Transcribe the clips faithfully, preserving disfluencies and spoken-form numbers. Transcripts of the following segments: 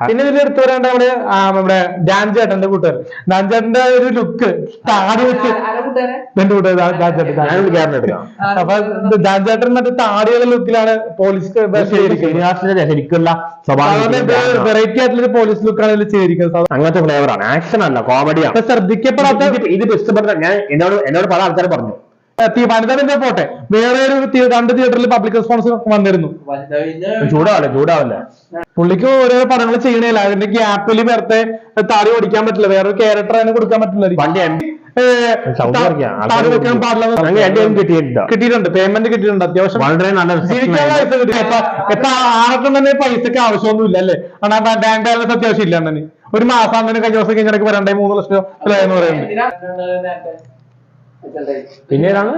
പിന്നെ ഇതിൽ എടുത്തു വരേണ്ട നമ്മുടെ നമ്മുടെ ഡാൻ ചേട്ടന്റെ കൂട്ടുകാരൻ ഡാൻ ചേട്ടന്റെ ഒരു ലുക്ക് താടി വെച്ച് എന്റെ കൂട്ടുകാരൻ അപ്പൊ ഡാൻ ചേട്ടൻ മറ്റേ താടിയുള്ള ലുക്കിലാണ് പോലീസ് ശരിക്കുള്ള വെറൈറ്റി ആയിട്ടുള്ള പോലീസ് ലുക്കാണ് ഇതിൽ ചെയ്തിരിക്കുന്നത്. അങ്ങനത്തെ ഫ്ലേവറാണ്, ആക്ഷൻ അല്ല കോമഡിയാണ്. ശ്രദ്ധിക്കപ്പെടാത്ത ഇത് ഇഷ്ടപ്പെട്ട ഞാൻ എന്നോട് എന്നോട് പല ആൾക്കാർ പറഞ്ഞു വനിത പോട്ടെ വേറെ ഒരു രണ്ട് തിയേറ്ററിൽ പബ്ലിക് റെസ്പോൺസ് വന്നിരുന്നു. ചൂടാവല്ലേ ചൂടാവല്ലേ പുള്ളിക്ക് ഓരോ പടങ്ങൾ ചെയ്യണില്ല, അതിന്റെ ഗ്യാപ്പിൽ നേരത്തെ താടി ഓടിക്കാൻ പറ്റില്ല, വേറൊരു ക്യാരക്ടർ അതിനെ കൊടുക്കാൻ പറ്റില്ല. കിട്ടിയിട്ടുണ്ട്, പേയ്മെന്റ് കിട്ടിയിട്ടുണ്ട്, അത്യാവശ്യം വളരെ നല്ല ആർക്കും തന്നെ പൈസക്ക് ആവശ്യമൊന്നും ഇല്ല അല്ലേ? കാരണം ബാങ്ക് ബാലൻസ് അത്യാവശ്യം ഇല്ല അണ്ണന്. ഒരു മാസം തന്നെ കഴിഞ്ഞ ദിവസം കഴിഞ്ഞിടയ്ക്ക് വരണ്ടേ മൂന്ന് ലക്ഷം എന്ന് പറയുന്നത്. പിന്നെ ഏതാണ്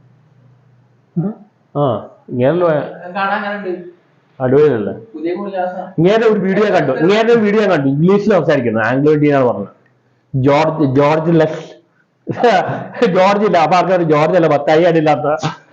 ആ ഇങ്ങനെ അടിപൊളിയല്ലേ? ഇങ്ങനെ ഒരു വീഡിയോ കണ്ടു ഇങ്ങനെ ഒരു വീഡിയോ കണ്ടു ഇംഗ്ലീഷിൽ സംസാരിക്കുന്നു, ആംഗ്ലോ ഇന്ത്യയാണ് പറഞ്ഞത്. ജോർജ് ജോർജ് ലെസ് ജോർജ് ഇല്ല അപ്പൊ ആൾക്കാർ ജോർജ് അല്ല പത്തായി അടിയില്ലാത്ത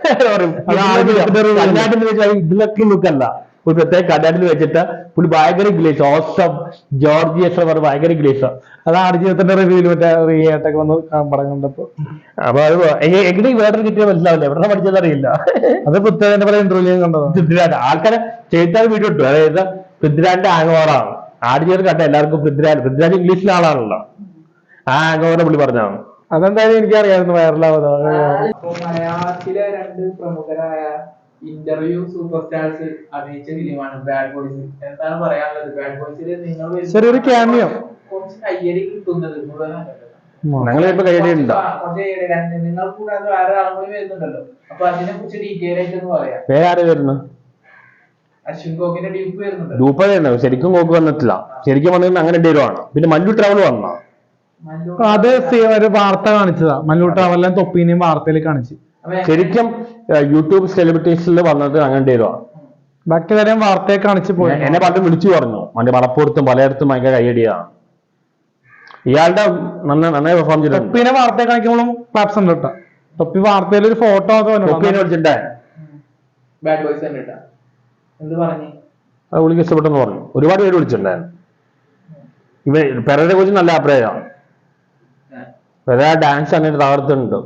ഇതിലൊക്കെ ലുക്കല്ല. ഒരു പ്രത്യേക കടലിൽ വെച്ചിട്ട് പുള്ളി ഭയങ്കര ഇംഗ്ലീഷ് ഓസം ജോർജ് എസ് പറഞ്ഞ ഭയങ്കര ഇംഗ്ലീഷ്. അത് ആടുജീവിതത്തിന്റെ റിവ്യൂല് മറ്റേ റിയായിട്ടൊക്കെ വന്ന് പടം കണ്ടപ്പോ അപ്പൊ അത് എങ്ങനെ വേറെ കിട്ടിയ മനസ്സിലാവില്ല, എവിടെ പഠിച്ചത് അറിയില്ല. അത് പൃഥ്വിരാജിന്റെ പല ഇന്റർവ്യൂ കണ്ടത്. പൃഥ്വിരാജ് ആൾക്കാരെ ചെയ്താൽ വീഡിയോ ഇട്ടു, അതായത് പൃഥ്വിരാജിന്റെ ആംഗോറാണ് ആടുജീവിതം കണ്ട എല്ലാവർക്കും പൃഥ്വിരാജ് പൃഥ്വിരാജ് ഇംഗ്ലീഷിലെ ആളാണല്ലോ, ആ ആംഗോറെ പുള്ളി പറഞ്ഞതാണ്. അതെന്തായാലും എനിക്കറിയാമായിരുന്നു വൈറലാവുന്നത്. മലയാളത്തിലെ രണ്ട് പ്രമുഖരായ ഇന്റർവ്യൂ സൂപ്പർ സ്റ്റാർസ് അഭിനയിച്ച ഫിലിമാണ് ബാഡ് ബോയ്സ്. എന്താണ് പറയാനുള്ളത്? ബാഡ് ബോയ്സിൽ നിങ്ങൾ ചെറിയൊരു ക്യാമിയോ കുറച്ച് കയ്യടി കിട്ടുന്നത് ഞങ്ങളിപ്പോ കയ്യടിയുണ്ടോ? നിങ്ങൾ കൂടാതെ വേറെ ആളും കൂടി വരുന്നുണ്ടല്ലോ, അപ്പൊ അതിനെ കുറിച്ച് ഡീറ്റെയിൽ ആയിട്ട് ഒന്ന് പറയാം. വേറെ ആര് വരുന്നു? അശ്വിൻ ഗോകിന്റെ ഡ്യൂപ്പ് വരുന്നുണ്ട്. ഡ്യൂപ്പ് തന്നെ ശരിക്കും ഗോക്ക് വന്നിട്ടില്ല, ശരിക്കും വന്നിട്ട് അങ്ങനെ എന്തെങ്കിലും. പിന്നെ മല്ലു ട്രാവൽ വന്നോ? അത് ഒരു വാർത്ത കാണിച്ചതാ, മല്ലു ട്രാവലിനെ തൊപ്പീനെയും വാർത്തയിൽ കാണിച്ചു. ശരിക്കും യൂട്യൂബ് സെലിബ്രിറ്റീസിൽ വന്നത് അങ്ങനെ എന്തെങ്കിലും. ബാക്കി കാര്യം വാർത്തയെ കാണിച്ചു പോയി. എന്നെ പലരും വിളിച്ചു പറഞ്ഞു മറ്റേ മലപ്പുറത്തും പലയിടത്തും ഭയങ്കര കയ്യടിയാണ്. ഇയാളുടെ നന്നായി പെർഫോം ചെയ്തു. തൊപ്പീനെ വാർത്തയെ കാണിക്കുമ്പോഴും ക്ലാപ്സ് ഉണ്ട് കേട്ടോ. തൊപ്പി വാർത്തയിൽ ഒരു ഫോട്ടോ തൊപ്പീനെ വിളിച്ചിട്ടേ ബാഡ് ബോയ്സ് എന്ത് പറഞ്ഞു? അത് വിളിക്ക് ഇഷ്ടപ്പെട്ടെന്ന് പറഞ്ഞു. ഒരുപാട് പേര് വിളിച്ചിട്ടുണ്ടായിരുന്നു. ഇവ പെരയെ കുറിച്ച് നല്ല അഭിപ്രായമാണ്. പെര ഡാൻസ് അങ്ങനെ തകർത്തുണ്ട്.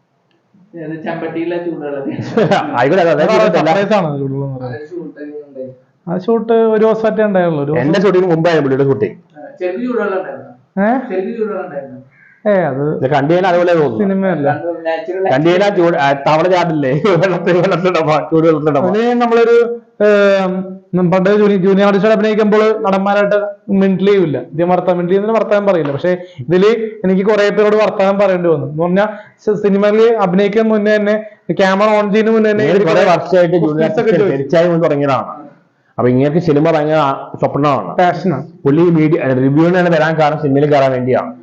ആ ഷൂട്ട് ഒരു ദിവസമായിട്ടേ ഉണ്ടായുള്ളൂ. എന്റെ ഷൂട്ടിന് മുമ്പായിരുന്നു പുള്ളിയുടെ ഷൂട്ടിങ്. ഏ അത് കണ്ടിയാൽ അതുപോലെ തോന്നുന്നു. സിനിമയല്ല, കണ്ടിയാൽ ചൂട് തവള ചാടില്ലേ വെള്ളത്തിൽ ചൂട് വെള്ളത്തിലിട. നമ്മളൊരു പണ്ട് ജൂനിയർ ആർട്ടിസ്റ്റ് അഭിനയിക്കുമ്പോൾ നടന്മാരായിട്ട് മിണ്ടിലേ ഇല്ല. ഇതേ വർത്താൻ മിണ്ടിലി എന്ന് വർത്താനം പറയില്ല. പക്ഷെ ഇതില് എനിക്ക് കുറെ പേരോട് വർത്താനം പറയേണ്ടി വന്നു. എന്ന് പറഞ്ഞാൽ സിനിമയിൽ അഭിനയിക്കാൻ മുന്നേ തന്നെ ക്യാമറ ഓൺ ചെയ്യുന്ന മുന്നേ തന്നെ കുറെ വർഷമായിട്ട് തുടങ്ങിയതാണ്. അപ്പൊ ഇങ്ങനെ സിനിമ ഭയങ്കര സ്വപ്നമാണ്, പാഷനാണ്. പുള്ളി മീഡിയ റിവ്യൂവിനാണ് വരാൻ കാരണം സിനിമയിൽ കയറാൻ വേണ്ടിയാണ്.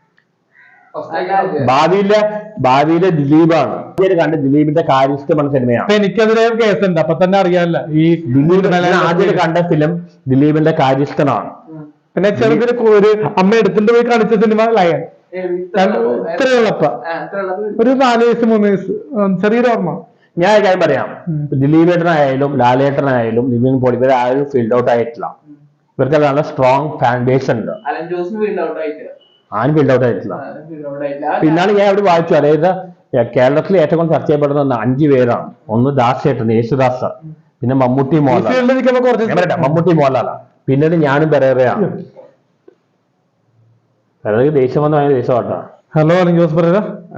ഭാവിയിലെ ഭാവിയിലെ ദിലീപാണ് കണ്ട് ദിലീപിന്റെ കാര്യസ്ഥമാണ് സിനിമയാണ്. അപ്പൊ എനിക്കതിലെ കേസുണ്ട്, അപ്പൊ തന്നെ അറിയാല്ല. ഈ ദിലീപ് ആദ്യം കണ്ട ഫിലിം ദിലീപിന്റെ കാര്യസ്ഥനാണ്. പിന്നെ ചെറുതിന് ഒരു അമ്മ എടുത്തിട്ട് പോയി കാണിച്ച സിനിമ ലയൻ. ഇത്രയുള്ളപ്പ ഒരു നാല് വയസ്സ് മൂന്ന് വയസ്സ് ചെറിയൊരു ഓർമ്മ. ഞാൻ കാര്യം പറയാം, ദിലീപേട്ടനായാലും ലാലേട്ടനായാലും നിവിൻ പോളി ഇവരെ ആരും ഫീൽഡ് ഔട്ട് ആയിട്ടില്ല. ഇവർക്ക് നല്ല സ്ട്രോങ് ഫാൻ ബേസ് ഉണ്ട്. ആരും ഫീൽഡ് ഔട്ട് ആയിട്ടില്ല. പിന്നാണ് ഞാൻ അവിടെ വായിച്ചു, അതായത് കേരളത്തിൽ ഏറ്റവും കൂടുതൽ ചർച്ച ചെയ്യപ്പെടുന്ന അഞ്ചു പേരാണ്. ഒന്ന് ദാസേട്ടൻ യേശുദാസ്, പിന്നെ മമ്മൂട്ടി മോഹൻലാൽ മമ്മൂട്ടി മോഹൻലാലാ, പിന്നീട് ഞാനും പെരേറയാണ്. പെരേറയ്ക്ക് ദേഷ്യം വന്ന് ഭയങ്കര ദേഷ്യമാട്ടാ. Hello Jose Perera.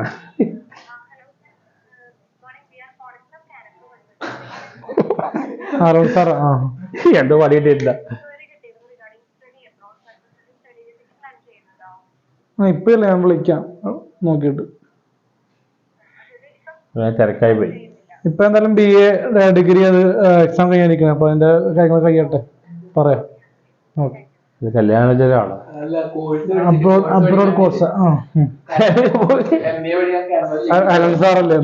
Hello sir. ആ എന്തോ പണിയിട്ടില്ല. ഇപ്പല്ലേ ഞാൻ വിളിക്കാം നോക്കിയിട്ട്. തിരക്കായി പോയി. ഇപ്പൊ എന്തായാലും ബി എ ഡിഗ്രി അത് എക്സാം കഴിയാനിരിക്കണം. അപ്പൊ അതിന്റെ കാര്യങ്ങൾ കഴിയട്ടെ പറയാം. ഓക്കെ. കല്യാണാണ് അബ്രോഡ് കോഴ്സ്. അലൻ സാറല്ലേ?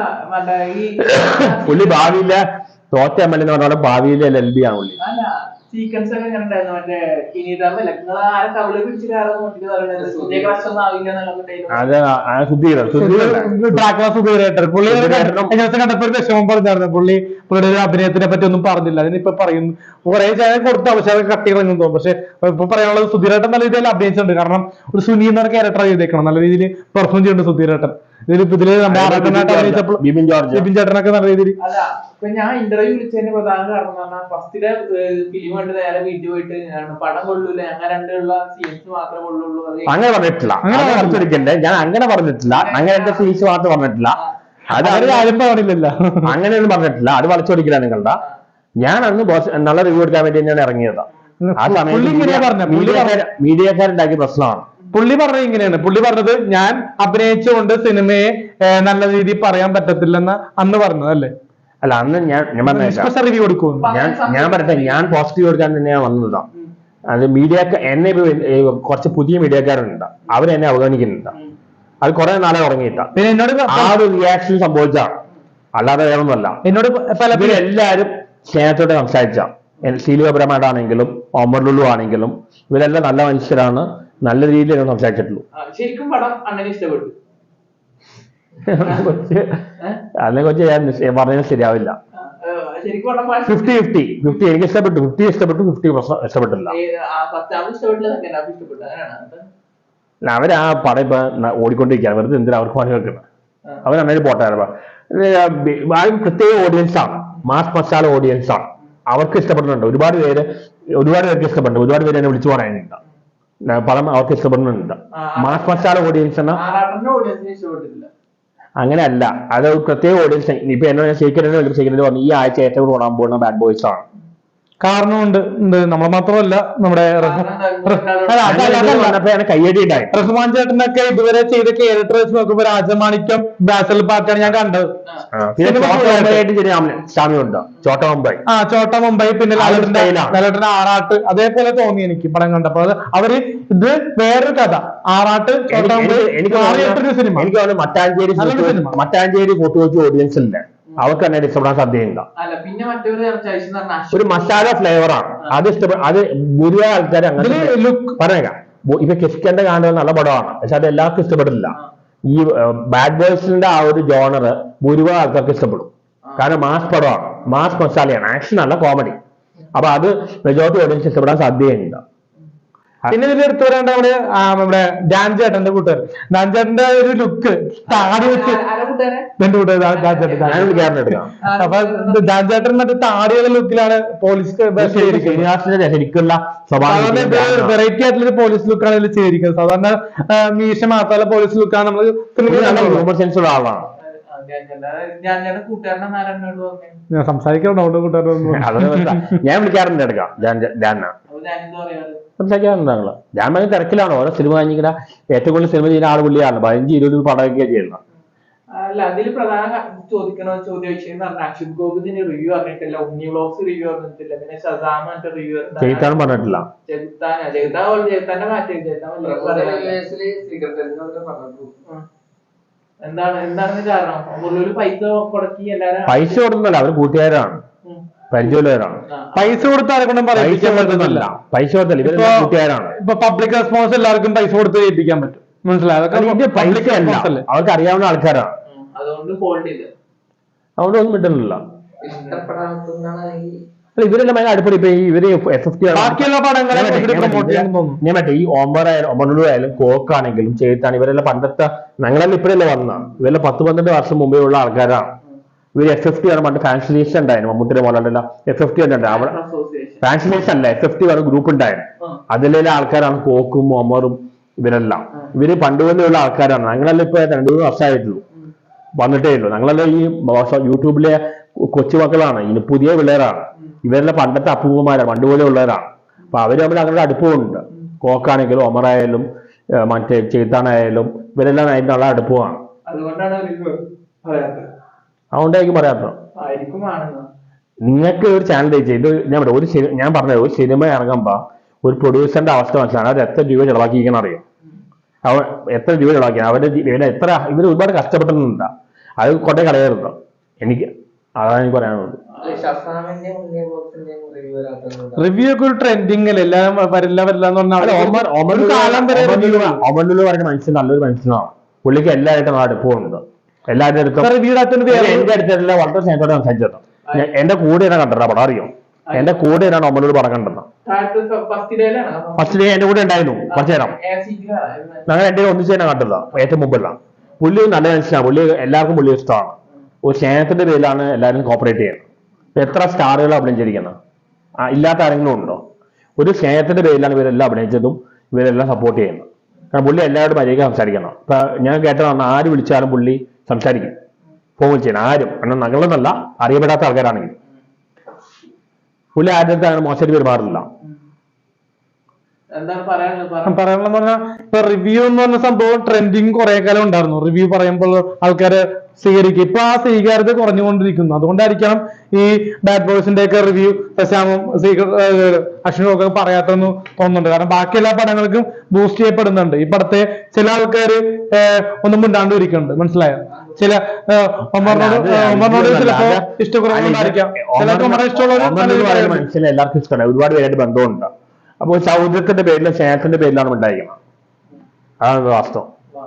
അല്ല പുള്ളി ഭാവിയിലെ തോറ്റ എം എൽ എന്ന് പറഞ്ഞ ഭാവിയിലെ എൽ എൽ ബി ആണ് പുള്ളി. സീക്വൻസ് ഒക്കെ എങ്ങനെ ഉണ്ടായിരുന്നു? മറ്റേ ഇനിയിട്ടല്ല നിങ്ങൾ ആരെ കവിള് പിടിച്ച് കയറാൻ നോക്കിട്ട് പറയുന്നത് പുതിയ ക്രഷ് ഒന്നും ആവില്ല എന്നുള്ള സുധീരേട്ടൻ പുള്ളി കണ്ടപ്പോ ഒരു വിഷമം പറഞ്ഞായിരുന്നു. പുള്ളി പുള്ളിയുടെ ഒരു അഭിനയത്തിനെ പറ്റി ഒന്നും പറഞ്ഞില്ല. അതിനിപ്പോ പറയുന്നു കുറെ ചായ കൊടുത്ത അവസരം കട്ടി കളഞ്ഞു തോന്നും. പക്ഷെ ഇപ്പൊ പറയാനുള്ളത് സുധീരേട്ടൻ നല്ല രീതിയിൽ അഭിനയിച്ചിട്ടുണ്ട്. കാരണം ഒരു സുനി എന്ന ക്യാരക്ടർ ചെയ്തേക്കണം, നല്ല രീതിയിൽ പെർഫോം ചെയ്യുന്നുണ്ട് സുധീരേട്ടൻ. ഇതിലിപ്പോ ഇതില് നമ്മുടെ ആറാട്ടനായിട്ട് അഭിനയിച്ചപ്പോൾ ബിബിൻ ചേട്ടനൊക്കെ നല്ല രീതിയിൽ. അല്ല ഇപ്പൊ ഞാൻ ഇന്റർവ്യൂ വിളിച്ചതിന്റെ പ്രധാന കാരണം എന്ന് പറഞ്ഞാൽ ഫസ്റ്റിലെ ഫിലിം കണ്ട് നേരെ വീട്ടിൽ പോയിട്ട് പടം കൊള്ളൂല, ഞങ്ങൾ രണ്ടുള്ള സീൻസ് മാത്രമേ കൊള്ളുള്ളൂ. അങ്ങനെ പറഞ്ഞിട്ടില്ല, അങ്ങനെ പറഞ്ഞിരിക്കണ്ടേ, ഞാൻ അങ്ങനെ പറഞ്ഞിട്ടില്ല, അങ്ങനെ എന്റെ സീൻസ് മാത്രം പറഞ്ഞിട്ടില്ല, അത് അവർ ആരും പറഞ്ഞില്ലല്ലോ, അങ്ങനെയൊന്നും പറഞ്ഞിട്ടില്ല. അത് വളച്ചൊടിക്കില്ല നിങ്ങളുടെ. ഞാൻ അന്ന് നല്ല റിവ്യൂ എടുക്കാൻ വേണ്ടി തന്നെയാണ് ഇറങ്ങിയത്. ആ സമയത്ത് മീഡിയക്കാരുണ്ടാക്കിയ പ്രശ്നമാണ്. പുള്ളി പറഞ്ഞത് ഇങ്ങനെയാണ്. പുള്ളി പറഞ്ഞത് ഞാൻ അഭിനയിച്ചുകൊണ്ട് സിനിമയെ നല്ല രീതിയിൽ പറയാൻ പറ്റത്തില്ലെന്ന് അന്ന് പറഞ്ഞത് അല്ലേ? അല്ല, അന്ന് ഞാൻ ഞാൻ റിവ്യൂ കൊടുക്കും. ഞാൻ ഞാൻ പറയട്ടെ, ഞാൻ പോസിറ്റീവ് എടുക്കാൻ തന്നെയാണ് വന്നതാണ്. അത് മീഡിയ എന്നെ കുറച്ച് പുതിയ മീഡിയക്കാരുണ്ട്, അവരെന്നെ അവഗണിക്കുന്നുണ്ട്. അത് കുറെ നാളെ തുടങ്ങിയിട്ട പിന്നെ എന്നോട് ആ ഒരു റിയാക്ഷൻ സംഭവിച്ചാണ്, അല്ലാതെ വേറൊന്നുമല്ല. എന്നോട് എല്ലാവരും സ്നേഹത്തോടെ സംസാരിച്ച ശീലപരമായിട്ടാണെങ്കിലും ഒമർലുള്ളു ആണെങ്കിലും ഇവരെല്ലാം നല്ല മനുഷ്യരാണ്, നല്ല രീതിയിൽ സംസാരിച്ചിട്ടുള്ളൂ. ശരിക്കും പടം അങ്ങനെ ഇഷ്ടപ്പെട്ടു. അതിനെ കുറിച്ച് ഞാൻ പറഞ്ഞാൽ ശരിയാവില്ല. ഫിഫ്റ്റി ഫിഫ്റ്റി ഫിഫ്റ്റി എനിക്ക് ഇഷ്ടപ്പെട്ടു, ഫിഫ്റ്റി ഇഷ്ടപ്പെട്ടു, ഫിഫ്റ്റി ഇഷ്ടപ്പെട്ടില്ല. അവര് ആ പടം ഇപ്പൊ ഓടിക്കൊണ്ടിരിക്കുകയാണ്, വെറുതെ എന്തിനാ അവർക്ക് പണി വെക്കുന്നത്? അവർ നന്നായിട്ട് പോട്ടായിരുന്നു. പ്രത്യേക ഓഡിയൻസ് ആണ്, മാസ് മസാല ഓഡിയൻസ് ആണ്. അവർക്ക് ഇഷ്ടപ്പെടുന്നുണ്ട്, ഒരുപാട് പേര് ഒരുപാട് പേർക്ക് ഇഷ്ടപ്പെടുന്നുണ്ട്, ഒരുപാട് പേര് എന്നെ വിളിച്ചു പറയാനുണ്ട്. പടം അവർക്ക് ഇഷ്ടപ്പെടുന്നുണ്ട്. മാസ് മസാല ഓഡിയൻസ് എന്ന അങ്ങനെയല്ല, അത് പ്രത്യേക ഓഡിയൻസ്. ഇപ്പൊ എന്നോട് ശേഖരനെ ശേഖരന് പറഞ്ഞു ഈ ആഴ്ച ഏറ്റവും കൂടുതൽ ഓടാൻ പോകുന്ന ബാഡ് ബോയ്സ് ആണ്. കാരണമുണ്ട്, നമ്മൾ മാത്രമല്ല നമ്മുടെ കയ്യടി ഉണ്ടായി. റഹ്മാൻ ചേട്ടനൊക്കെ ഇതുവരെ ചെയ്ത ക്യാരക്ടർ വെച്ച് നോക്കുമ്പോ രാജമാണിക്യം, ബാസൽ പാർക്കാണ് ഞാൻ കണ്ടത്. സ്വാമിയുണ്ട്, ചോട്ട മുംബൈ, ആ ചോട്ട മുംബൈ, പിന്നെ ലാലേട്ടന്റെ ആറാട്ട്, അതേപോലെ തോന്നി എനിക്ക് പടം കണ്ടപ്പോ. അത് അവര് ഇത് വേറൊരു കഥ, ആറാട്ട്, ചോട്ട മുംബൈ. എനിക്ക് സിനിമ എനിക്ക് തോന്നുന്നു മട്ടാഞ്ചേരി മട്ടാഞ്ചേരി ഫോട്ടോച്ച് ഓഡിയൻസ് ഇല്ല, അവർക്ക് തന്നെ ഇഷ്ടപ്പെടാൻ സാധ്യതയില്ല. ഒരു മസാല ഫ്ലേവറാണ് അത്, ഇഷ്ടപ്പെടും. അത് ഭൂരിഭാഗം ആൾക്കാർ അങ്ങനെ പറഞ്ഞേക്കാം. ഇപ്പൊ കിഷ്കന്റെ കാണുന്നത് നല്ല പടമാണ്, പക്ഷെ അത് എല്ലാവർക്കും ഇഷ്ടപ്പെടില്ല. ഈ ബാഡ് ബോയ്സിന്റെ ആ ഒരു ജോണർ ഭൂരിഭാഗം ആൾക്കാർക്ക് ഇഷ്ടപ്പെടും. കാരണം മാസ് പടമാണ്, മാസ് മസാലയാണ്, ആക്ഷൻ അല്ല കോമഡി. അപ്പൊ അത് മെജോറിറ്റി ഓഡിയൻസ് ഇഷ്ടപ്പെടാൻ സാധ്യതയുണ്ട്. പിന്നെ ഇതിൽ എടുത്തു വരേണ്ട നമ്മുടെ നമ്മുടെ ഡാൻ ചേട്ടന്റെ കൂട്ടുകാരൻ, ഡാൻ ചേട്ടന്റെ ഒരു ലുക്ക് താടി വെച്ച് എന്റെ കൂട്ടുകാരൻ. അപ്പൊ ഡാൻ ചേട്ടൻ മറ്റേ താടിയുള്ള ലുക്കിലാണ് പോലീസ് ശരിക്കുള്ള വെറൈറ്റി ആയിട്ടുള്ള പോലീസ് ലുക്കാണ് ഇതിൽ ചെയ്തിരിക്കുന്നത്. സാധാരണ മീശ മാത്രമല്ല പോലീസ് ലുക്കാണ് നമ്മൾ ഹ്യൂമർ സെൻസ് ഉള്ള ആളാണ്. ഞാൻ സംസാരിക്കാറുണ്ട് കൂട്ടുകാരൊന്നും, ഞാൻ വിളിക്കാറുണ്ട് എടുക്കാം സംസാരിക്കാറുണ്ട്. ഞാൻ ഭയങ്കര തിരക്കിലാണ്, ഓരോ സിനിമ കഴിഞ്ഞിങ്ങനെ ഏറ്റവും കൂടുതൽ സിനിമ ചെയ്യുന്ന ആൾ പുള്ളിയാണ്. പതിനഞ്ച് ഇരുപത് പടമൊക്കെയാണ് ചെയ്യുന്നത്. അല്ല, അതിൽ പ്രധാന ചോദിക്കണ ചോദ്യ വിഷയം എന്ന് പറഞ്ഞാൽ അക്ഷുത് ഗോപിന്റെ റിവ്യൂ അറിഞ്ഞിട്ടില്ല, ഉണ്ണി വ്ലോഗ്സ് റിവ്യൂ അറിഞ്ഞിട്ടില്ല, പിന്നെ ഷസാമിന്റെ റിവ്യൂ ചെയ്താനും പറഞ്ഞിട്ടില്ല. ചെകുത്താനാ ചെകുത്താ ചെകുത്താന്റെ മാറ്റി എന്താണ് എന്താണ് കാരണം? പൈസ കൊടുക്കി എല്ലാരും പൈസ കൊടുക്കുന്നല്ല, അവർ കൂട്ടുകാരാണ്, പരിചയമുള്ളവരാണ്. പൈസ കൊടുത്താലെ കൊണ്ടും പറയിപ്പിക്കാൻ പറ്റുന്നില്ല. പൈസ കൊടുത്തല്ല, ഇവർ കൂട്ടുകാരാണ്. ഇപ്പൊ പബ്ലിക് റെസ്പോൺസ് എല്ലാവർക്കും പൈസ കൊടുത്ത് ചെയ്യിപ്പിക്കാൻ പറ്റും, മനസ്സിലായി? അതൊക്കെ പൈസ അല്ല, അവർക്ക് അറിയാവുന്ന ആൾക്കാരാണ്. അതുകൊണ്ട് ഫോൾഡ് ചെയ്ത് അതുകൊണ്ട് ഒന്നും കിട്ടുന്നില്ല. ഇവരെല്ലാം ഭയങ്കര അടുപ്പടി. ഇപ്പൊ ഇവര് എഫ് എഫ് ടി ബാക്കിയുള്ള പടങ്ങളെ ഞാൻ മറ്റേ ഈ ഓമ്പറായാലും ഒമർലു ആയാലും കോക്കാണെങ്കിലും ചെയ്താണ്, ഇവരെല്ലാം പണ്ടത്തെ ഞങ്ങളെല്ലാം ഇപ്പഴല്ലേ വന്ന, ഇവരെല്ലാം പത്ത് പന്ത്രണ്ട് വർഷം മുമ്പേ ഉള്ള ആൾക്കാരാണ്. ഇവര് എഫ് എഫ് ടി ആണ് പണ്ട് ഫാൻസ് ലീസ്റ്റ് ഉണ്ടായിരുന്നു, മമ്മൂട്ടിയുടെ മോഡലല്ല എഫ് എഫ് ടി ഉണ്ട്. അവിടെ ഫാൻസ് ലീസ്റ്റ് അല്ല, എഫ് എഫ് ടി പറഞ്ഞ ഗ്രൂപ്പ് ഉണ്ടായിരുന്നു. അതിലെ ആൾക്കാരാണ് കോക്കും ഒമറും ഇവരെല്ലാം. ഇവര് പണ്ടുപോലെയുള്ള ആൾക്കാരാണ്. ഞങ്ങളെല്ലാം ഇപ്പൊ രണ്ടു മൂന്ന് വർഷമായിട്ടുള്ളൂ, വന്നിട്ടേ ഉള്ളൂ. ഞങ്ങളെല്ലാം ഈ യൂട്യൂബിലെ കൊച്ചുമക്കളാണ്, ഇനി പുതിയ പിള്ളേരാണ്. ഇവരെല്ലാം പണ്ടത്തെ അപ്പൂപ്പന്മാരാണ്, പണ്ടുപോലെ ഉള്ളവരാണ്. അപ്പൊ അവര് തമ്മിൽ അങ്ങനെ അടുപ്പമുണ്ട്. കോക്കാണെങ്കിലും ഒമറായാലും മറ്റേ ചെയ്ത്താനായാലും ഇവരെല്ലാം അതിന്റെ നല്ല അടുപ്പമാണ്. അതുകൊണ്ടായിരിക്കും പറയാത്തത്. നിങ്ങൾക്ക് ഒരു ചാനൽ ചെയ്ത് ഞാൻ പറയാം, ഒരു ഞാൻ പറഞ്ഞത് ഒരു സിനിമ ഇറങ്ങുമ്പോ ഒരു പ്രൊഡ്യൂസറിന്റെ അവസ്ഥ മനസ്സിലാണ്. അവർ എത്ര രൂപ ചെലവാക്കിയിരിക്കണം അറിയാം, അവ എത്ര രൂപ ചെലവാക്കിയാണ് അവരുടെ ഇവരെ എത്ര ഇവർ ഒരുപാട് കഷ്ടപ്പെട്ടിട്ടുണ്ട്. അത് കൊണ്ടേ കളയരുത്. എനിക്ക് അതാണ് എനിക്ക് പറയാനുള്ളത്. റിവ്യൂ ഒക്കെ ഒരു ട്രെൻഡിങ് അല്ലേ, എല്ലാം വരില്ല വരില്ല എന്ന് പറഞ്ഞാൽ ഒരു കാലം വരെ റിവ്യൂ ഒമനുള്ളു പറയുന്ന മനുഷ്യൻ നല്ലൊരു മനുഷ്യനാണ്. പുള്ളിക്ക് എല്ലാവരുടെ അടുപ്പമുണ്ട്, എല്ലാവരുടെ അടുത്തും. റിവ്യൂ എന്റെ അടുത്തല്ല വളരെ സ്നേഹത്തോടെ സംസാരിച്ചത്. എന്റെ കൂടെ ഞാൻ കണ്ടിട്ടാ പടം അറിയോ, എന്റെ കൂടെ ഞാൻ ഒമനോട് പടം കണ്ടെന്ന്. ഫസ്റ്റ് ഡേ എന്റെ കൂടെ ഉണ്ടായിരുന്നു കുറച്ചു നേരം. ഞങ്ങൾ എന്റെ ഒന്നിച്ച് തന്നെ കണ്ടതാ ഏറ്റവും മുമ്പല്ല. പുള്ളി നല്ല മനുഷ്യനാണ്, പുള്ളി എല്ലാവർക്കും പുള്ളി ഇഷ്ടമാണ്. ഒരു സ്നേഹത്തിന്റെ പേരിലാണ് എല്ലാവരും കോപ്പറേറ്റ് ചെയ്യുന്നത്. എത്ര സ്റ്റാറുകൾ അഭിനയിച്ചിരിക്കുന്നത്, ഇല്ലാത്ത ആരെങ്കിലും ഉണ്ടോ? ഒരു സ്നേഹത്തിന്റെ പേരിലാണ് ഇവരെല്ലാം അഭിനയിച്ചതും ഇവരെല്ലാം സപ്പോർട്ട് ചെയ്യുന്നത്. കാരണം പുള്ളി എല്ലാവരോടും മര്യാദയ്ക്ക് സംസാരിക്കണം. ഇപ്പൊ ഞാൻ കേട്ടതാണ്, ആര് വിളിച്ചാലും പുള്ളി സംസാരിക്കും, ഫോൺ ചെയ്യണം ആരും. കാരണം ഞങ്ങളെന്നല്ല, അറിയപ്പെടാത്ത ആൾക്കാരാണെങ്കിൽ പുള്ളി ആരുടെ അടുത്ത് അങ്ങനെ മോശമായിട്ട് പെരുമാറില്ല. പറയാനുള്ളതെന്ന് പറഞ്ഞാൽ ഇപ്പൊ റിവ്യൂ എന്ന് പറഞ്ഞ സംഭവം ട്രെൻഡിങ് കുറെ കാലം ഉണ്ടായിരുന്നു. റിവ്യൂ പറയുമ്പോൾ ആൾക്കാര് സ്വീകരിക്കും. ഇപ്പൊ ആ സ്വീകാര്യത കുറഞ്ഞുകൊണ്ടിരിക്കുന്നു. അതുകൊണ്ടായിരിക്കണം ഈ ബാഡ് ബോയ്സിന്റെ ഒക്കെ റിവ്യൂ പ്രശാമും അശ്വിനും ഒക്കെ പറയാത്തെന്ന് തോന്നുന്നുണ്ട്. കാരണം ബാക്കി എല്ലാ പടങ്ങൾക്കും ബൂസ്റ്റ് ചെയ്യപ്പെടുന്നുണ്ട്. ഈ പടത്തെ ചില ആൾക്കാര് ഒന്നും മിണ്ടാണ്ട് ഇരിക്കുന്നുണ്ട്, മനസ്സിലായോ? ചില ഒമറിനോട് ഒമറിനോട് ചിലപ്പോ ഇഷ്ടക്കുറവുണ്ടായിരിക്കാം, ചിലർക്ക് ഒമറെ ഇഷ്ടമുള്ളവർ മനുഷ്യനെ എല്ലാവർക്കും ഇഷ്ടമാണ്, ഒരുപാട് പേരായിട്ട് ബന്ധമുണ്ട്. അപ്പോൾ സൗഹൃദത്തിന്റെ പേരിലും സ്നേഹത്തിന്റെ പേരിലാണ് ഉണ്ടായിരിക്കണം. അതാണ് വാസ്തവം.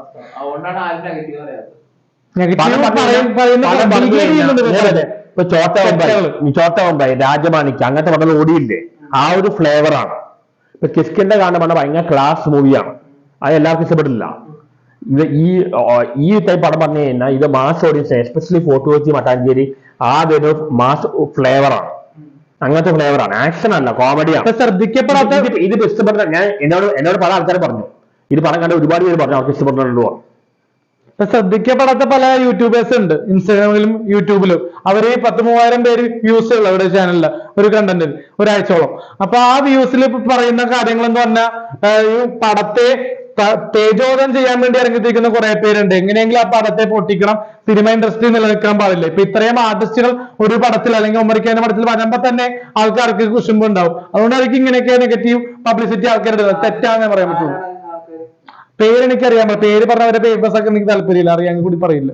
ഇപ്പൊ ചോട്ടവമ്പായി ചോട്ടവമ്പായി രാജമാണിക്ക് അങ്ങനത്തെ പടം ഓടിയില്ലേ, ആ ഒരു ഫ്ലേവറാണ്. ഇപ്പൊ കിസ്കിന്റെ കാണുന്ന പടം ഭയങ്കര ക്ലാസ് മൂവിയാണ്, അത് എല്ലാവർക്കും ഇഷ്ടപ്പെട്ടില്ല. ഇത് ഈ ഈ ടൈപ്പ് പടം പറഞ്ഞു കഴിഞ്ഞാൽ ഇത് mass audience, especially Fort Kochi Mattancherry ആ ഒരു മാസ് ഫ്ലേവറാണ്. അങ്ങനത്തെ ഫ്ലേവറാണ്, ആക്ഷൻ അല്ല, കോമഡിയാണ്. ശ്രദ്ധിക്കപ്പെടാത്ത ഇത് ഇഷ്ടപ്പെട്ട ഞാൻ എന്നോട് എന്നോട് പല ആൾക്കാരെ പറഞ്ഞു, ഇത് പടം കണ്ട ഒരുപാട് പേര് പറഞ്ഞു അവർക്ക് ഇഷ്ടപ്പെട്ടുണ്ടോ. ഇപ്പൊ ശ്രദ്ധിക്കപ്പെടാത്ത പല യൂട്യൂബേഴ്സ് ഉണ്ട്, ഇൻസ്റ്റാഗ്രാമിലും യൂട്യൂബിലും. അവര് പത്ത് മൂവായിരം പേര് വ്യൂസ് ഉള്ള അവരുടെ ചാനലില് ഒരു കണ്ടന്റിൽ ഒരാഴ്ചയോളം. അപ്പൊ ആ വ്യൂസിൽ പറയുന്ന കാര്യങ്ങൾ എന്ന് പറഞ്ഞാൽ പടത്തെ തേജോധം ചെയ്യാൻ വേണ്ടി ഇറങ്ങിത്തിരിക്കുന്ന കുറെ പേരുണ്ട്. എങ്ങനെയെങ്കിലും ആ പടത്തെ പൊട്ടിക്കണം, സിനിമ ഇൻഡസ്ട്രി നിലനിൽക്കാൻ പാടില്ല. ഇപ്പൊ ഇത്രയും ആർട്ടിസ്റ്റുകൾ ഒരു പടത്തിൽ അല്ലെങ്കിൽ ഉമ്മറിക്കാന്റെ പടത്തിൽ വരുമ്പോ തന്നെ ആൾക്കാർക്ക് കുശുമ്പ് ഉണ്ടാവും. അതുകൊണ്ടായിരിക്കും ഇങ്ങനെയൊക്കെ നെഗറ്റീവ് പബ്ലിസിറ്റി ആൾക്കാരുടെ തെറ്റാന്നേ പറയാൻ പറ്റുള്ളൂ. പേര് എനിക്കറിയാൻ പറ്റും, പേര് പറഞ്ഞവരുടെ പേപ്പേഴ്സ് ഒക്കെ എനിക്ക് താല്പര്യമില്ല, അറിയാൻ കൂടി പറയില്ല.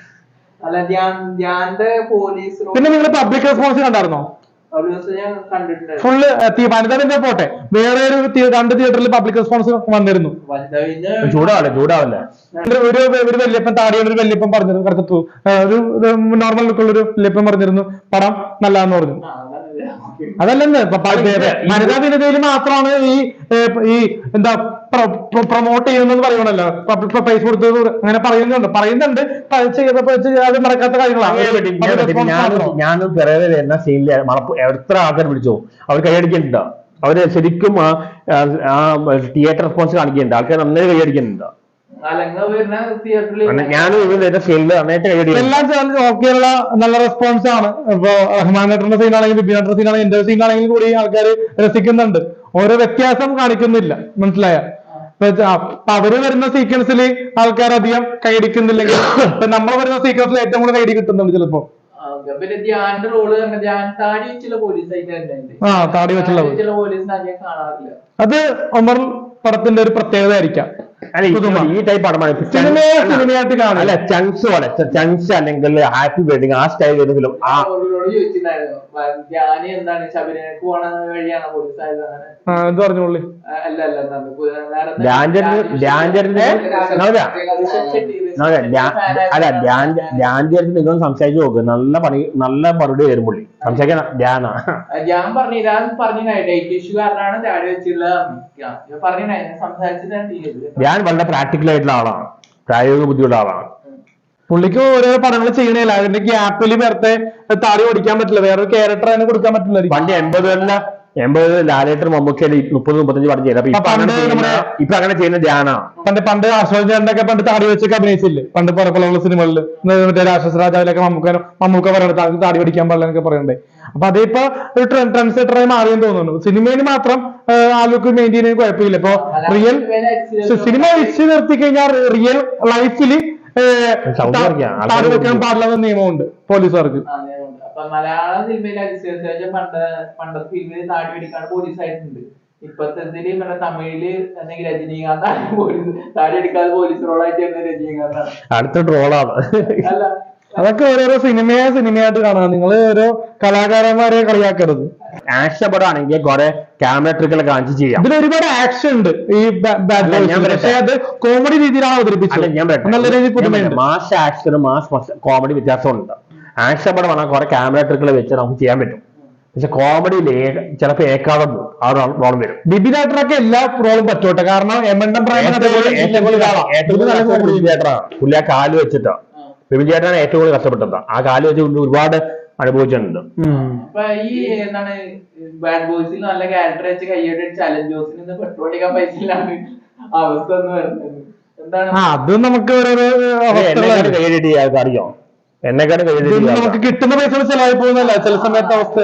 പിന്നെ നിങ്ങൾ പബ്ലിക് റെസ്പോൺസ് കണ്ടായിരുന്നോ? ഫുള്ള് വനിതവിന്റെ പോട്ടെ, വേറെ ഒരു രണ്ട് തിയേറ്ററിൽ പബ്ലിക് റെസ്പോൺസ് വന്നിരുന്നു. ചൂടാവല്ലേ ചൂടാവല്ലേ ഒരു ഒരു വല്യപ്പൻ താടിയുള്ള ഒരു വല്യപ്പൻ പറഞ്ഞിരുന്നു, കറുത്തു ഒരു നോർമൽ ലുക്കുള്ള ഒരു വല്യപ്പൻ പറഞ്ഞിരുന്നു പടം നല്ലതെന്ന് പറഞ്ഞു. അതല്ലെന്ന് വനിതാ വിനതയിൽ മാത്രമാണ് ഈ ഈ എന്താ പ്രൊമോട്ട് ചെയ്യുന്നെന്ന് പറയണല്ലോ, പൈസ കൊടുത്ത് അങ്ങനെ പറയുന്നുണ്ട് പറയുന്നുണ്ട് അത് നടക്കാത്ത കാര്യങ്ങളാണ്. ഞാനും പിറകെ വരുന്ന സീനില് എത്ര ആൾക്കാർ വിളിച്ചോ അവർ കൈയടിക്കുന്നുണ്ട്. അവര് ശരിക്കും ആ തിയേറ്റർ റെസ്പോൺസ് കാണിക്കുന്നുണ്ട്, ആൾക്കാർ നന്നായി കൈയടിക്കുന്നുണ്ട്. ഞാനും ഇവരുടെ സീനില് നന്നായിട്ട് കൈയടിക്കും. എല്ലാ ചാനലും ഓക്കെയുള്ള നല്ല റെസ്പോൺസ് ആണ്. ഇപ്പൊ റഹ്മാൻ നട്ടറിന്റെ സീനാണെങ്കിലും ബിബി നട്ടറിന്റെ സീനാണെങ്കിലും എന്റെ സീനാണെങ്കിലും കൂടി ആൾക്കാർ രസിക്കുന്നുണ്ട്. ഓരോ വ്യത്യാസം കാണിക്കുന്നില്ല, മനസ്സിലായ? അപ്പൊ അവര് വരുന്ന സീക്വൻസിൽ ആൾക്കാർ അധികം കൈയടിക്കുന്നില്ലെങ്കിൽ ഇപ്പൊ നമ്മൾ വരുന്ന സീക്വൻസിൽ ഏറ്റവും കൂടുതൽ കൈയടി കിട്ടുന്നുണ്ട് ചിലപ്പോ. ആ താടി വെച്ചുള്ള അത് ഒമർ പടത്തിന്റെ ഒരു പ്രത്യേകത ആയിരിക്കാം. ഈ ടൈപ്പ് പടമാണ് സിനിമയായിട്ട് കാണാം. അല്ല ചങ്സ് പോലെ ചങ്സ് അല്ലെങ്കിൽ ഹാപ്പി വെഡിങ് ആ സ്റ്റൈൽ ഏതെങ്കിലും പറഞ്ഞോളി. അല്ല ധ്യാൻ നിങ്ങൾ സംസാരിച്ചു നോക്ക്, നല്ല പണി നല്ല മറുപടി വരും പുള്ളി സംസാരിക്കാൻ. ധ്യാനാ ഞാൻ പറഞ്ഞു ധ്യാൻ വളരെ പ്രാക്ടിക്കൽ ആയിട്ടുള്ള ആളാണ്, പ്രായോഗിക ബുദ്ധിയുള്ള ആളാണ്. പുള്ളിക്ക് ഓരോ പടങ്ങൾ ചെയ്യണില്ല, അതിന്റെ ഗ്യാപ്പിൽ നേരത്തെ താടി ഓടിക്കാൻ പറ്റില്ല, വേറൊരു ക്യാരക്ടർ അതിനെ കൊടുക്കാൻ പറ്റില്ല. പണ്ട് എൺപതുകളിലെ എൺപത് ലാലേട്ടർ മമ്മൂക്കയിൽ മുപ്പത് മുപ്പത്തഞ്ച് പടം ചെയ്തത് ഇപ്പൊ അങ്ങനെ ചെയ്യുന്ന ധ്യാനാ. പണ്ട് പണ്ട് അശോക് ചേട്ടനൊക്കെ പണ്ട് താടി വെച്ചൊക്കെ അഭിനയിച്ചില്ലേ പണ്ട് പുറപ്പുള്ള സിനിമകളിൽ, മറ്റേ രാക്ഷസ രാജാവിലൊക്കെ മമ്മൂക്ക മമ്മൂക്ക പറയണത് താടി പഠിക്കാൻ പാടില്ല എന്നൊക്കെ പറയണ്ടേ. അപ്പൊ അതിപ്പോ ഒരു ട്രെൻഡ് സെറ്ററായി മാറിയെന്ന് തോന്നുന്നു. സിനിമയിൽ മാത്രം ആൾക്ക് മെയിൻറ്റെയിൻ ചെയ്യാൻ കുഴപ്പമില്ല. ഇപ്പൊ റിയൽ സിനിമ വെച്ച് നിർത്തി കഴിഞ്ഞാൽ റിയൽ ലൈഫില് താടി വെക്കാൻ പാടില്ലെന്ന നിയമമുണ്ട് പോലീസുകാർക്ക്. മലയാള സിനിമയിൽ അതിശേഷം പണ്ട് പണ്ടത്തെ ഫിലിമിൽ താടി പിടിക്കാണ്ട് പോലീസ് ആയിട്ടുണ്ട്. ഇപ്പത്തെ മറ്റേ തമിഴില് അല്ലെങ്കിൽ രജനീകാന്താണ് പോലീസ് താടി അടിക്കാതെ പോലീസ് റോളായിട്ട് രജനീകാന്താണ് അടുത്ത ട്രോളാണ്. അല്ല അതൊക്കെ ഓരോരോ സിനിമയെ സിനിമയായിട്ട് കാണാം. നിങ്ങൾ ഓരോ കലാകാരന്മാരെ കളിയാക്കരുത്. ആക്ഷൻ പടം ആണെങ്കിൽ കുറെ ക്യാമറ ട്രിക്കുകൾ കാണിച്ച് ചെയ്യാം. ഇതിൽ ഒരുപാട് ആക്ഷൻ ഉണ്ട് ഈ ബാഡ് ബോയ്സിൽ, പക്ഷേ അത് കോമഡി രീതിയിലാണ് അവതരിപ്പിച്ചത്. ഞാൻ നല്ല രീതിയിൽ പുതുമയുണ്ട്. മാസ് ആക്ഷനും മാസ് കോമഡി വ്യത്യാസമുണ്ട്. ആക്ഷൻ പടം ആണെങ്കിൽ കുറെ ക്യാമറ ട്രിക്കുകൾ വെച്ച് നമുക്ക് ചെയ്യാൻ പറ്റും. പക്ഷെ കോമഡിയിൽ ചിലപ്പോൾ ഏക്കാതെ പോകും, ആ റോളം വരും. ബിബിൻ ചേട്ടനൊക്കെ എല്ലാ റോളും പറ്റോട്ടെ, കാരണം എമണ്ടം പ്രായം പുള്ളി ആ കാല് വെച്ചിട്ടാ ബിബിൻ ചേട്ടനാണ് ഏറ്റവും കൂടുതൽ കഷ്ടപ്പെട്ടത്. ആ കാല് വെച്ച് ഒരുപാട് അനുഭവിച്ചിട്ടുണ്ട്. അപ്പൊ ഈ എന്താണ് ബാഡ് ബോയ്സിൽ നല്ല ക്യാരക്ടർ വെച്ച് കൈയ്യോടെ ചലഞ്ച് ജോസിന് പെട്രോൾ അടിക്കാൻ പൈസ ഇല്ലാണ്ട് അവസ്ഥ എന്ന് പറയുന്നത് എന്താണ്? അത് നമുക്ക് ഓരോരോ കൈയ്യടി അറിയോ, എന്നെക്കാട് നമുക്ക് കിട്ടുന്ന പൈസ ചെലവായി പോകുന്നല്ല ചില സമയത്ത് അവസ്ഥ.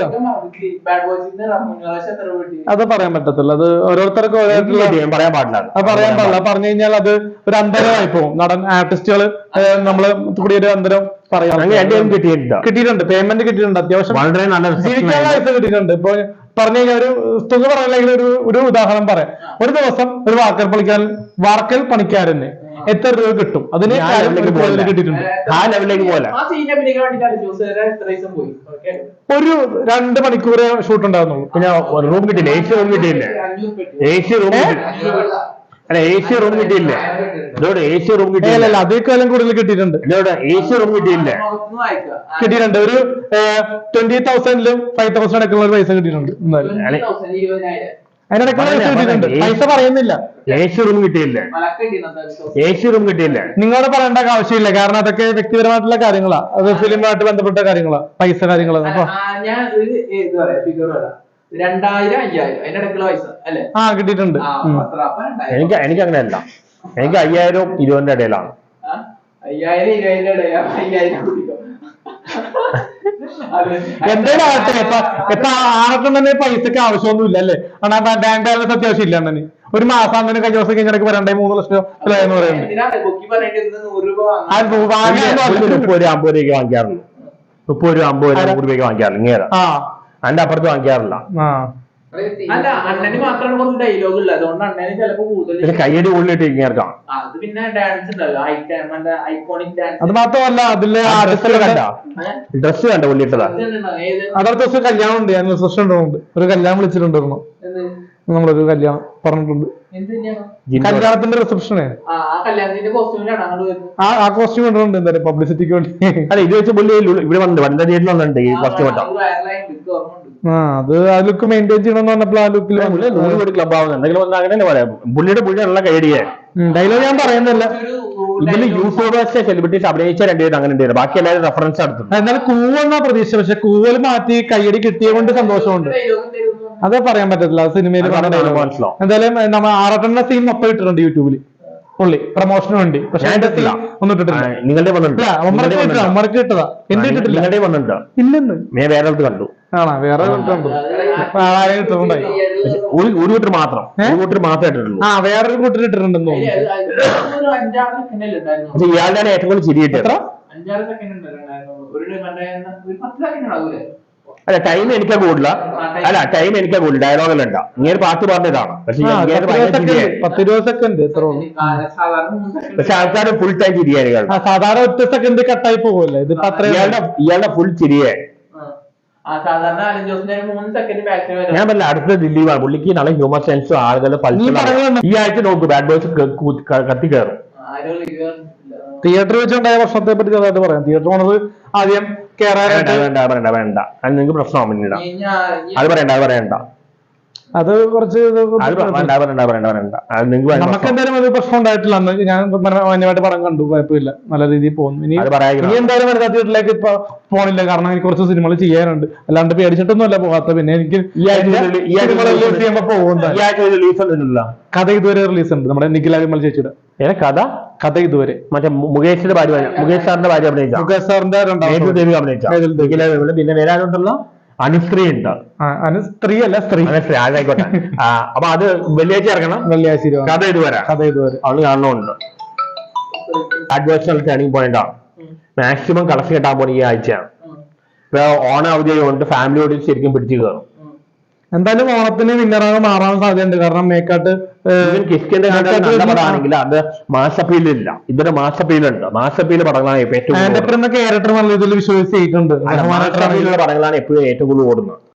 അത് പറയാൻ പറ്റത്തില്ല, അത് ഓരോരുത്തർക്കും പറയാൻ പാടില്ല. അത് പറയാൻ പാടില്ല. പറഞ്ഞു കഴിഞ്ഞാൽ അത് ഒരു അന്തരമായി പോകും. നടൻ ആർട്ടിസ്റ്റുകൾ നമ്മള് കൂടി ഒരു അന്തരം പറയാം. കിട്ടിയിട്ടുണ്ട് കിട്ടിയിട്ടുണ്ട് പേയ്മെന്റ് കിട്ടിയിട്ടുണ്ട്, അത്യാവശ്യം വളരെ നല്ല ജീവിക്കാനുള്ള പൈസ കിട്ടിയിട്ടുണ്ട്. ഇപ്പൊ പറഞ്ഞു കഴിഞ്ഞാൽ ഒരു തുക പറയണമെങ്കിൽ ഒരു ഒരു ഉദാഹരണം പറയാം. ഒരു ദിവസം ഒരു വാർക്കൽ പണിക്കാരൻ വാർക്കൽ പണിക്കാരന് എത്ര രൂപ കിട്ടും? അതിന് കിട്ടിയിട്ടുണ്ട്. ആ ലെവലിലേക്ക് പോലെ ഒരു രണ്ട് മണിക്കൂർ ഷൂട്ട് ഉണ്ടാകുന്നുള്ളൂ. പിന്നെ റൂം കിട്ടിയില്ല, എ സി റൂം കിട്ടിയില്ലേ? എ സി റൂം അല്ല എ സി റൂം കിട്ടിയില്ലേ? ഇതോടെ എ സി റൂം കിട്ടിയില്ല. അതേക്കാലം കൂടുതൽ കിട്ടിയിട്ടുണ്ട്. ഇതോടെ എ സി റൂം കിട്ടിയില്ലേ? കിട്ടിയിട്ടുണ്ട്. ഒരു ട്വന്റി തൗസൻഡിലും ഫൈവ് തൗസൻഡ് അടക്കമുള്ള ഒരു പൈസ കിട്ടിയിട്ടുണ്ട്. അതിനിടയ്ക്കുള്ള പൈസ കിട്ടിയിട്ടുണ്ട്. പൈസ പറയുന്നില്ല. എ സി റൂം കിട്ടിയില്ലേ? എ സി റൂം കിട്ടിയില്ലേ? നിങ്ങളോട് പറയേണ്ട ആവശ്യമില്ല, കാരണം അതൊക്കെ വ്യക്തിപരമായിട്ടുള്ള കാര്യങ്ങളാ, അത് ഫിലിമുമായിട്ട് ബന്ധപ്പെട്ട കാര്യങ്ങളാ, പൈസ കാര്യങ്ങളാ. ഞാൻ രണ്ടായിരം അയ്യായിരം അതിനിടയ്ക്കുള്ള പൈസ അല്ലെ? ആ കിട്ടിയിട്ടുണ്ട്. എനിക്ക് എനിക്ക് അങ്ങനെയല്ല, എനിക്ക് അയ്യായിരം ഇരുപതിന്റെ ഇടയിലാണ്. അയ്യായിരം ഇരുപതിന്റെ ഇടയാ അയ്യായിരം എന്തായാലും ആവട്ടെ. ഇപ്പൊ ഇപ്പൊ ആർക്കും തന്നെ പൈസക്ക് ആവശ്യമൊന്നുമില്ല അല്ലേ? കാരണം ബാങ്ക് ബാലൻസ് അത്യാവശ്യം ഇല്ല. തന്നെ ഒരു മാസം അങ്ങനെ കഴിഞ്ഞ ദിവസം കഴിഞ്ഞിടയ്ക്ക് വരണ്ടേ മൂന്ന് ലക്ഷം എന്ന് പറയുന്നത് മുപ്പത് രൂപ അമ്പത് രൂപയ്ക്ക് വാങ്ങിക്കാറുണ്ട്. മുപ്പത് രൂപ അമ്പത് രൂപ നൂറ് രൂപയ്ക്ക് വാങ്ങിക്കാറില്ല. ഇങ്ങനെ അതിന്റെ അപ്പുറത്ത് വാങ്ങിക്കാറില്ല. അല്ല അണ്ണന് മാത്രമാണ് കുറച്ച് ഡയലോഗ് ഉള്ളത്, അതുകൊണ്ട് അണ്ണന് ചിലപ്പോ കൂടുതൽ കയ്യടി ഉള്ളിട്ട് ഇങ്ങേർക്കാം. അത് പിന്നെ ഡാൻസ് ഉണ്ടല്ലോ, ഐക്കോണിക് ഡാൻസ്. അത് മാത്രമല്ല അതില് ഡ്രസ് കണ്ട ഉള്ളിട്ടതാ. അതടുത്ത ദിവസം കല്യാണം ഉണ്ട്, ഞാൻ റിസപ്ഷൻ ഉണ്ട്, ഒരു കല്യാണം വിളിച്ചിട്ടുണ്ടായിരുന്നു. നമ്മളൊരു കല്യാണം പറഞ്ഞിട്ടുണ്ട്, കല്യാണത്തിന്റെ റിസപ്ഷന് ആ കോസ്റ്റ്യൂം ഇടുന്നുണ്ട് എന്തായാലും പബ്ലിസിറ്റിക്ക് വേണ്ടി. അല്ല ഇത് വെച്ച് പുള്ളി ഇവിടെ വന്നിട്ട് വനിതാ തിയേറ്ററിൽ വന്നിട്ടുണ്ട് ഈ കോസ്റ്റ്യൂം ഇട്ടാ. ആ അത് ആ ലുക്ക് മെയിൻറ്റെയിൻ ചെയ്യണമെന്ന് പറഞ്ഞപ്പോൾ ആ ലുക്കിൽ നൂറ് ക്ലബ് ആവുന്നത് എന്തെങ്കിലും അങ്ങനെ പറയാം. പുള്ളിയുടെ പുള്ളിയുള്ള കൈയടിയെ ഡയലോഗ് ഞാൻ പറയുന്നില്ല. ഇതില് യൂട്യൂബേഴ്സ് സെലിബ്രിറ്റീസ് അഭിനയിച്ച രണ്ടുപേരും അങ്ങനെ ഉണ്ട്, ബാക്കി എല്ലാവരും റെഫറൻസ് നടത്തും. എന്നാലും കൂവെന്നാ പ്രതീക്ഷ, പക്ഷെ കൂവൽ മാറ്റി കയ്യടി കിട്ടിയ കൊണ്ട് സന്തോഷമുണ്ട്. അതേ പറയാൻ പറ്റത്തില്ല, സിനിമയിൽ മനസ്സിലാവും. എന്തായാലും നമ്മൾ ആറട്ടെണ്ണ സീൻ മൊത്തം ഇട്ടിട്ടുണ്ട് യൂട്യൂബിൽ പുള്ളി പ്രൊമോഷന് വേണ്ടി. പക്ഷെ ഒന്നും ഇട്ടിട്ടില്ല. നിങ്ങളുടെ അമ്മർക്ക് കിട്ടതാ, എന്റെ ഇട്ടിട്ടില്ല. നിങ്ങളുടെ വന്നിട്ടുണ്ടോ? ഇല്ലെന്ന് ഞാൻ വേറെ അടുത്ത് കണ്ടു. ആണോ? വേറെ കണ്ടു ആരെയും കിട്ടുന്നുണ്ടായി. ഒരു കൂട്ടർ മാത്രം ഒരു കൂട്ടർ മാത്രമേ ഇട്ടിട്ടുള്ളൂ. ആ വേറൊരു കൂട്ടർ ഇട്ടിട്ടുണ്ടെന്ന് തോന്നുന്നു. ഇയാളുടെ ഏറ്റവും കൂടുതൽ ചിരിയിട്ട് എത്ര അല്ല ടൈം എനിക്കാ കൂടുതല. അല്ല ടൈം എനിക്കാ കൂടുതൽ, ഡയലോഗെല്ലാം ഉണ്ടാ. ഇങ്ങനെ പാട്ട് പറഞ്ഞതാണ്, പക്ഷെ പത്ത് ഇരുപത് സെക്കൻഡ് എത്ര. പക്ഷെ ആൾക്കാർ ഫുൾ ടൈം ചിരിയായിരിക്കും. സാധാരണ ഒറ്റ സെക്കൻഡ് കട്ടായി പോകുമല്ലേ, ഇത് ഇയാളുടെ ഇയാളുടെ ഫുൾ ചിരിയായി. ഞാൻ പറഞ്ഞ അടുത്ത ദിലീപാണ്. പുള്ളിക്ക് നല്ല ഹ്യൂമർ സെൻസും ആളുകളുടെ പൾസ്. ഈ ആഴ്ച നോക്കൂ ബാഡ് ബോയ്സ് കത്തി കയറും. തിയേറ്റർ വെച്ചുണ്ടായ പ്രശ്നത്തെ പറ്റി ചെറുതായിട്ട് പറയാം. തിയേറ്റർ ഓണർ ആദ്യം വേണ്ട വേണ്ട വേണ്ട അത് നിങ്ങൾക്ക് പ്രശ്നമാവും പിന്നീട്. അത് പറയണ്ട അത് പറയണ്ട അത് കുറച്ച് നമുക്ക് എന്തായാലും അത് പ്രശ്നം ഉണ്ടായിട്ടില്ല. അന്ന് ഞാൻ മാന്യമായിട്ട് പടം കണ്ടു, കുഴപ്പമില്ല, നല്ല രീതിയിൽ പോകുന്നു. ഇനി ഇനി എന്തായാലും വനിതാ തിയേറ്ററിലേക്ക് ഇപ്പൊ പോണില്ല, കാരണം എനിക്ക് കുറച്ച് സിനിമകൾ ചെയ്യാനുണ്ട്. അല്ലാണ്ട് പേടിച്ചിട്ടൊന്നും അല്ല പോകാത്ത. പിന്നെ എനിക്ക് കഥ ഇതുവരെ റിലീസ് ഉണ്ട്, നമ്മുടെ നിഖില വിമൽ ചേച്ചിയുടെ കഥ കഥ ഇതുവരെ. മറ്റേ മുകേഷിന്റെ ഭാര്യ, മുകേഷ് സാറിന്റെ ഭാര്യ അഭിനയിച്ച, മുകേഷ് സാറിന്റെ ദേവി അഭിനയിച്ച നിഖില വിമൽ. പിന്നെ വരാനുണ്ടല്ലോ അനുസ്ത്രീ ഉണ്ട്. അനുസ്ത്രീ അല്ല സ്ത്രീ, അനുസ്ത്രീ ആയിക്കോട്ടെ. അപ്പൊ അത് വെള്ളിയാഴ്ച ഇറങ്ങണം. വെള്ളിയാഴ്ച കഥ ഇതുവരെ കഥ ഇതുവരെ അവള് കാണുന്നുണ്ട്. അഡ്വേഴ്സണൽ ടേണിംഗ് പോയിന്റ് ആണ്. മാക്സിമം കളക്ഷൻ കിട്ടാൻ പോണ ഈ ആഴ്ചയാണ്. ഇപ്പൊ ഓണ അവധി കൊണ്ട് ഫാമിലിയോട് ശരിക്കും പിടിച്ചു കയറും. എന്തായാലും ഓണത്തിന് വിന്നറാകെ മാറാൻ സാധ്യതയുണ്ട്, കാരണം മേക്കാട്ട് കിസ്കിന്റെ പടമാണെങ്കിൽ അത് മാസപ്പീലില്ല, ഇതിന്റെ മാസപ്പീലുണ്ട്. മാസപ്പീല് പടങ്ങളാണ് ഏറ്റവും ക്യാരക്ടർ നല്ല രീതിയിൽ വിശ്വസിച്ചിട്ടുണ്ട്. പടങ്ങളാണ് എപ്പോഴും ഏറ്റവും കൂടുതൽ ഓടുന്നത്.